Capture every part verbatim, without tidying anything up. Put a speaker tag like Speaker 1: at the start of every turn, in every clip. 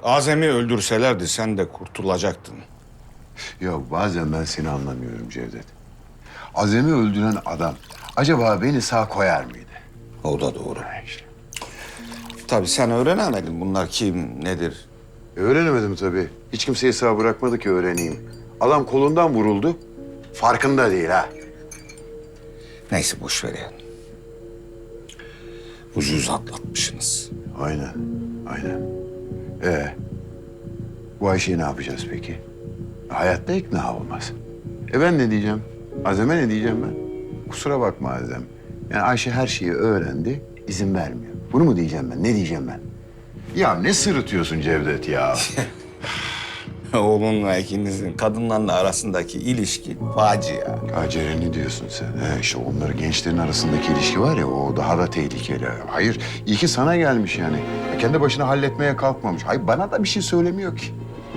Speaker 1: Azem'i öldürselerdi sen de kurtulacaktın.
Speaker 2: Ya bazen ben seni anlamıyorum Cevdet. Azem'i öldüren adam acaba beni sağ koyar mıydı?
Speaker 1: O da doğru. Tabii sen öğrenemedin bunlar kim, nedir?
Speaker 2: E, öğrenemedim tabii. Hiç kimseyi sağ bırakmadı ki öğreneyim. Adam kolundan vuruldu. Farkında değil ha.
Speaker 1: Neyse boş ver yani. Ucuz atlatmışsınız.
Speaker 2: Aynen, aynen. Ee, bu Ayşe'yi ne yapacağız peki? Hayatta ikna olmaz. E ben ne diyeceğim? Azem'e ne diyeceğim ben? Kusura bakma Azem. Yani Ayşe her şeyi öğrendi, izin vermiyor. Bunu mu diyeceğim ben? Ne diyeceğim ben? Ya ne sırıtıyorsun Cevdet ya?
Speaker 1: Oğlunla ikinizin kadınlarla arasındaki ilişki facia.
Speaker 2: Ha Ceren'i diyorsun sen. He, işte onların gençlerin arasındaki ilişki var ya o daha da tehlikeli. Hayır iyi ki sana gelmiş yani. Ya kendi başına halletmeye kalkmamış. Hayır bana da bir şey söylemiyor ki.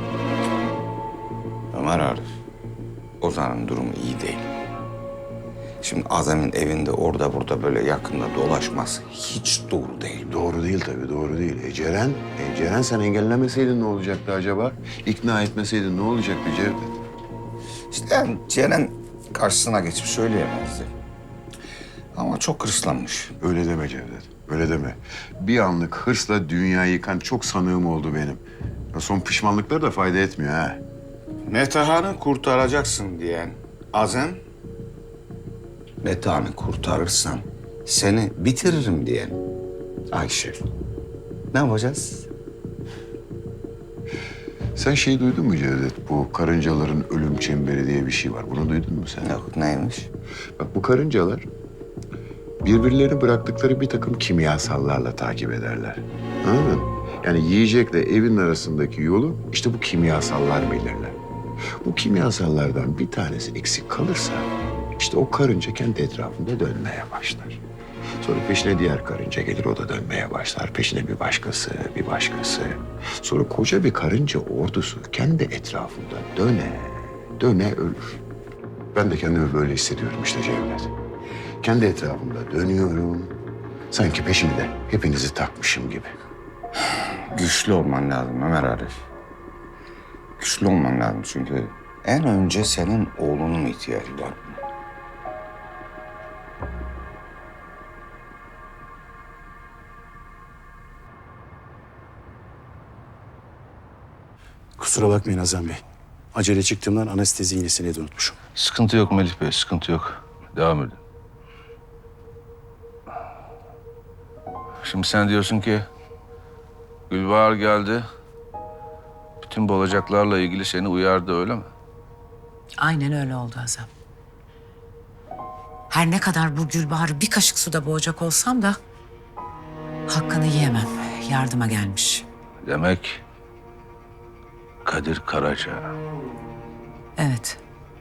Speaker 1: Ömer Arif, Ozan'ın durumu iyi değil. Şimdi Azem'in evinde orada burada böyle yakında dolaşması hiç doğru değil.
Speaker 2: Doğru değil tabii doğru değil. E Ceren, e Ceren sen engellemeseydin ne olacaktı acaba? İkna etmeseydin ne olacaktı Cevdet?
Speaker 1: İşte yani Ceren karşısına geçip söyleyemezdi. Ama çok hırslanmış.
Speaker 2: Öyle deme Cevdet, öyle deme. Bir anlık hırsla dünyayı yıkan çok sanığım oldu benim. Ya son pişmanlıkları da fayda etmiyor ha.
Speaker 1: Metehan'ı kurtaracaksın diyen Azem, Metehan'ı kurtarırsam seni bitiririm diyen Ayşe. Ne yapacağız?
Speaker 2: Sen şey duydun mu Cevdet? Bu karıncaların ölüm çemberi diye bir şey var. Bunu duydun mu sen?
Speaker 1: Yok neymiş?
Speaker 2: Bak bu karıncalar birbirlerini bıraktıkları bir takım kimyasallarla takip ederler. Anladın mı? Yani yiyecekle evin arasındaki yolu işte bu kimyasallar belirler. Bu kimyasallardan bir tanesi eksik kalırsa işte o karınca kendi etrafında dönmeye başlar. Sonra peşine diğer karınca gelir, o da dönmeye başlar. Peşine bir başkası, bir başkası. Sonra koca bir karınca ordusu kendi etrafında döne, döne ölür. Ben de kendimi böyle hissediyorum işte Cevdet. Kendi etrafımda dönüyorum. Sanki peşimde hepinizi takmışım gibi.
Speaker 1: Güçlü olman lazım Ömer Arif. Güçlü olman lazım çünkü en önce senin oğlunun ihtiyacı var.
Speaker 3: Kusura bakmayın Azam Bey. Acele çıktığımdan anestezi iğnesini de unutmuşum.
Speaker 4: Sıkıntı yok Melih Bey, sıkıntı yok. Devam edin. Şimdi sen diyorsun ki Gülbahar geldi. Bütün bu olacaklarla ilgili seni uyardı öyle mi?
Speaker 5: Aynen öyle oldu Azam. Her ne kadar bu Gülbahar'ı bir kaşık suda boğacak olsam da hakkını yiyemem. Yardıma gelmiş.
Speaker 4: Demek Kadir Karaca.
Speaker 5: Evet.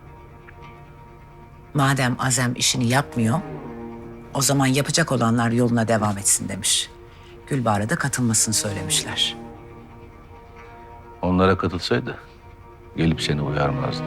Speaker 5: Madem Azem işini yapmıyor, o zaman yapacak olanlar yoluna devam etsin demiş. Gülbahar'a da katılmasını söylemişler.
Speaker 4: Onlara katılsaydı gelip seni uyarmazdı.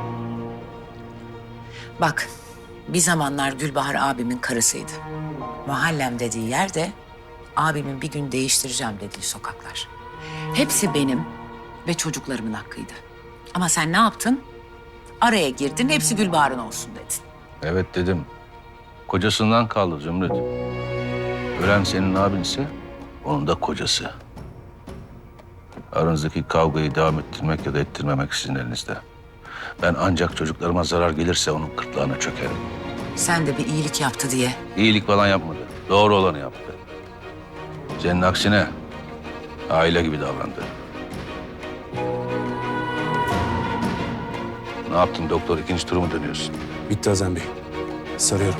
Speaker 5: Bak, bir zamanlar Gülbahar abimin karısıydı. Mahallem dediği yerde abimin bir gün değiştireceğim dediği sokaklar. Hepsi benim ve çocuklarımın hakkıydı. Ama sen ne yaptın? Araya girdin, hepsi Gülbahar'ın olsun dedin.
Speaker 4: Evet dedim. Kocasından kaldı Zümrüt. Ölen senin abinse onun da kocası. Aranızdaki kavgayı devam ettirmek ya da ettirmemek sizin elinizde. Ben ancak çocuklarıma zarar gelirse onun gırtlağına çökerim.
Speaker 5: Sen de bir iyilik yaptı diye.
Speaker 4: İyilik falan yapmadı. Doğru olanı yaptı. Senin aksine aile gibi davrandı. Ne yaptın doktor? İkinci turu mu dönüyorsun?
Speaker 3: Bitti Azam Bey. Sarıyorum.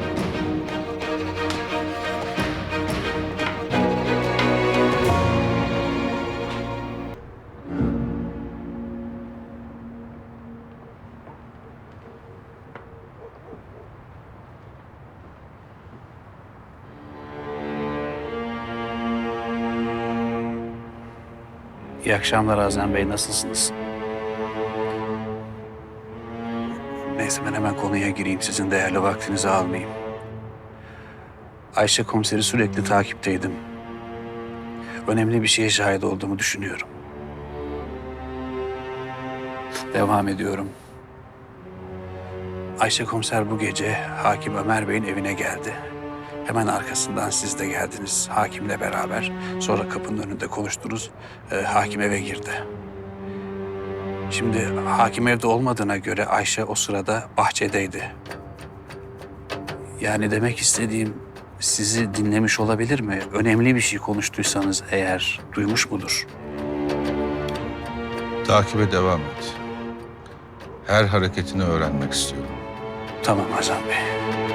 Speaker 6: İyi akşamlar Azem Bey, nasılsınız? Neyse ben hemen konuya gireyim, sizin değerli vaktinizi almayayım. Ayşe komiseri sürekli takipteydim. Önemli bir şeye şahit olduğumu düşünüyorum. Devam ediyorum. Ayşe komiser bu gece Hakim Ömer Bey'in evine geldi. Hemen arkasından siz de geldiniz hakimle beraber. Sonra kapının önünde konuştunuz. Ee, hakim eve girdi. Şimdi hakim evde olmadığına göre Ayşe o sırada bahçedeydi. Yani demek istediğim sizi dinlemiş olabilir mi? Önemli bir şey konuştuysanız eğer duymuş mudur?
Speaker 4: Takibe devam et. Her hareketini öğrenmek istiyorum.
Speaker 6: Tamam Azam Bey.